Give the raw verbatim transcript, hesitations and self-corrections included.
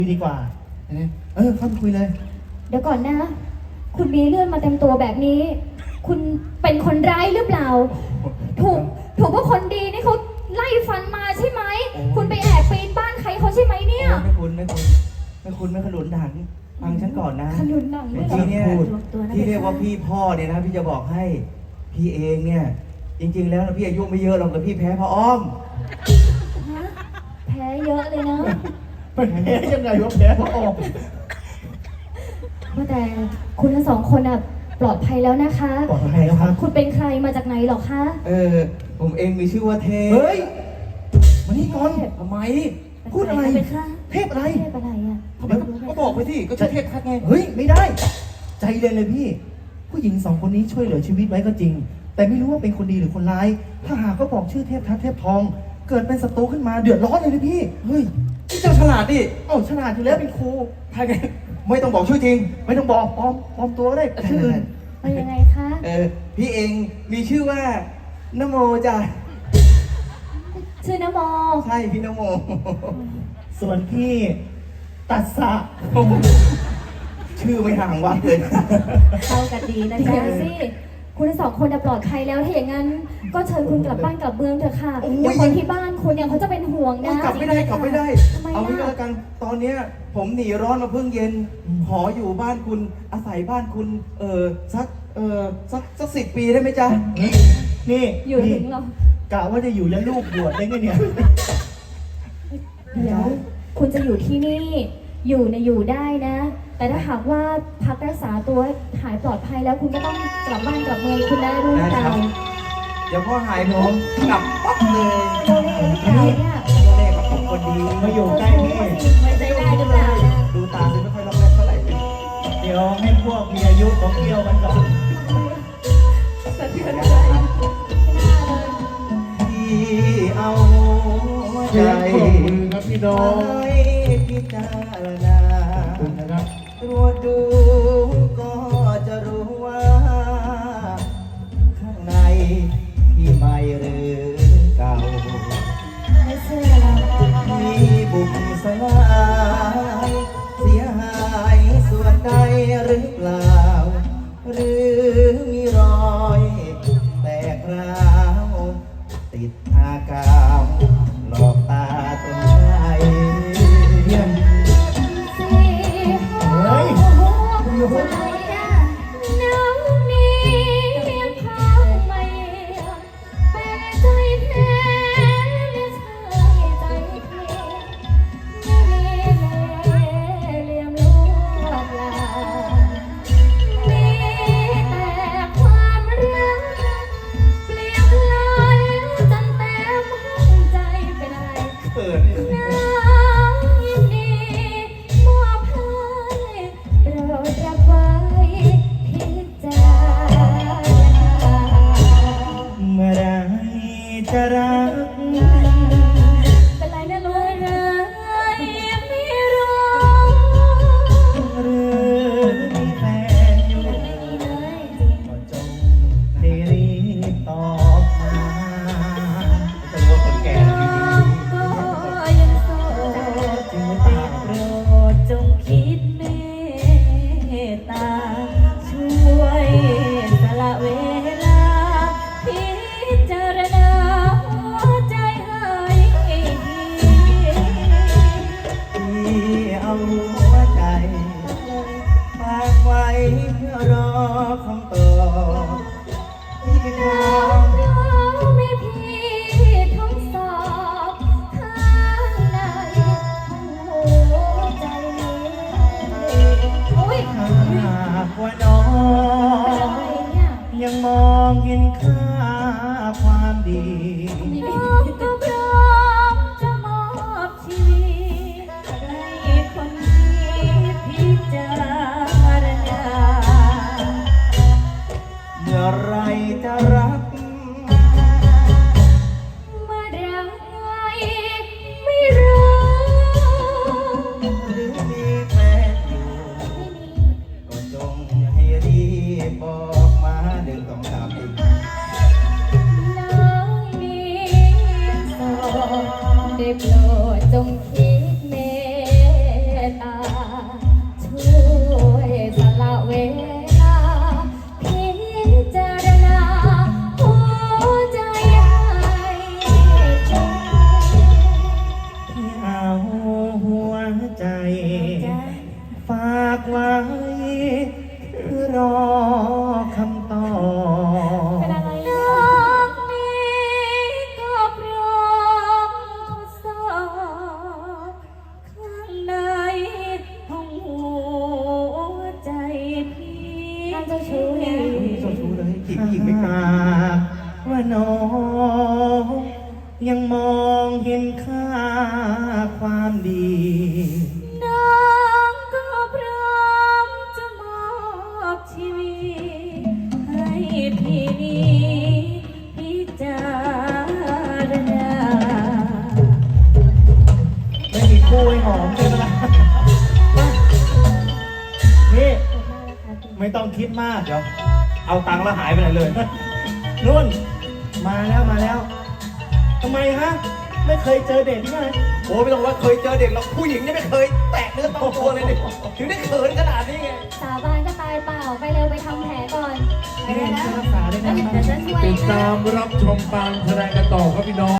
คุยดีกว่าเออเข้าไปคุยเลยเดี๋ยวก่อนนะคุณมีเลื่อนมาเต็มตัวแบบนี้คุณเป็นคนร้ายหรือเปล่าถูกถูกว่าคนดีนี่เขาไล่ฟันมาใช่ไหมคุณไปแอบปีนบ้านใครเขาใช่ไหมเนี่ยไม่คุณไม่คุณไม่คุณไม่ขนุนหันฟังฉันก่อนนะขนุนหนังที่เนี่ยที่เรียกว่าพี่พ่อเนี่ยนะพี่จะบอกให้พี่เองเนี่ยจริงๆแล้วนะพี่อายุไม่เยอะหรอกแต่พี่แพ้พ่ออ้อมแพ้เยอะเลยนะแพ้ยังไงวะแพ้พ่ออ้อมว่าแต่คุณทั้งสองคนอ่ะปลอดภัยแล้วนะคะปลอดภัยแล้วครับคุณเป็นใครมาจากไหนหรอคะเออผมเองมีชื่อว่าเทพเฮ้ยมานี่ก่อนทำไมพูดอะไรเทพอะไรเทพอะไรอ่ะก็บอกไปสิก็ชื่อเทพทัดไงเฮ้ยไม่ได้ใจเย็นเลยพี่ผู้หญิงสองคนนี้ช่วยเหลือชีวิตไว้ก็จริงแต่ไม่รู้ว่าเป็นคนดีหรือคนร้ายถ้าหากเขาบอกชื่อเทพทัดเทพทองเกิดเป็นศัตรูขึ้นมาเดือดร้อนเลยนะพี่เฮ้ยพี่เจ้าฉลาดดิเอ้าฉลาดอยู่แล้วเป็นครูใช่ไงไม่ต้องบอกชื่อจริงไม่ต้องบอกปลอมปลอมตัวก็ได้ชื่ออื่นเป็นยังไงคะเออพี่เองมีชื่อว่านโมจ้ะชื่อนโมใช่พี่นโมส่วนพี่ตัสสะชื่อไม่ห่างวัดเลยเข้ากันดีนะจ๊ะสิคุณทั้งสองคนปลอดภัยแล้วถ้าอย่างนั้นก็เชิญคุณกลับบ้านกลับเมืองเถอะค่ะเดี๋ยวคนที่บ้านคุณเนี่ยเขาจะเป็นห่วงนะกลับไม่ได้กลับไม่ได้เอาไม่ได้กันตอนเนี้ยผมหนีร้อนมาเพิ่งเย็นขออยู่บ้านคุณอาศัยบ้านคุณเออสักเออสักสักสิบปีได้ไหมจ๊ะนี่อยู่ถึงหรอกะว่าจะอยู่ยันลูกบวชได้ไงเนี่ยเดี๋ยวคุณจะอยู่ที่นี่อยู่เนี่ยอยู่ได้นะแต่ถ้าหากว่าพักรักษาตัวหายปลอดภัยแล้วคุณก็ต้องกลับบ้านกลับเมืองคุณได้รู้เปล่าเดี๋ยวพ่อหายผมกลับปั๊บเลยโดเล่หรือเปล่าเนี่ยโดเล่กับผมคนดีมาอยู่ใกล้พี่ไม่ใจได้หรือเปล่าดูตาดูไม่ค่อยล็อกแรกเท่าไหร่เดี๋ยวให้พวกมีอายุของเที่ยวกันก่อนสะเทือนใจที่เอาใจครับพี่น้องพิจารณาตรวจดูก็จะรู้ว่าข้างในที่ใหม่หรือเก่าไม่เชื่อแล้วมีบุกสลายเสียหายส่วนใดหรือเปล่าหรือมีรอยแตกร้าวติดอากาวหลอกตาตนใจเยี่ยมเฮ้ยอยู่คนไหนอะน้ำนี้ยังพาไม่เป็นใจแท้ไม่ใช่ใจเพียงไม่มีเลี่ยมลวงลามีแต่ความรักเปลี่ยนลอยจนเต็มห้องใจเป็นอะไรเปิดจะรักเป็นไรนะลูกเลยไม่รู้หรือมีแฟนอยู่ก็จงได้รีบตอบมาจะรู้ว่าคนแก่ดีก็ยังโสดจึงได้โปรดจงคิดเมตตาช่วยสละเวลาพิจารณาเพื่อรอคำตอบที่น้องไม่พี่ทดสอบข้างในหัวใจโอ้ยหากว่าน้องยังมองเห็นค่าความดีน้องก็พร้อมจะมอบชีวิตให้คนที่พิจารณาเมื่อไรจะรักเมื่อรักไงไม่รู้หรือมีแฟนอยู่ก็จงให้รีบบอกมาเดินต้องตามอีกน้องมีผู้หญิงไม่กล้าว่าน้องยังมองเห็นค่าความดีน้องก็พร้อมจะมอบชีวิตให้พี่นี้พิจารณาไม่มีคู่ให้หอมใช่ไหมล่ะนี่ไม่ต้องคิดมากเดี๋ยวเอาตังค์แล้วหายไปไหนเลยนุ่นมาแล้วมาแล้วทำไมฮะ ไม่เคยเจอเด็กใช่ไหมโอ้ไม่ต้องว่าเคยเจอเด็กหรอกผู้หญิงเนี่ยไม่เคยแตะเนื้อต้องตัวเลยดิถึงได้เขินขนาดนี้ไงสาบานก็ตายเปล่า ไปเร็วไปทำแผลก่อน ไปนี่เลยนะรักษาได้แล้วนะเดี๋ยวฉันช่วยติดนะตามรับชมการแสดงกันต่อครับพี่น้อง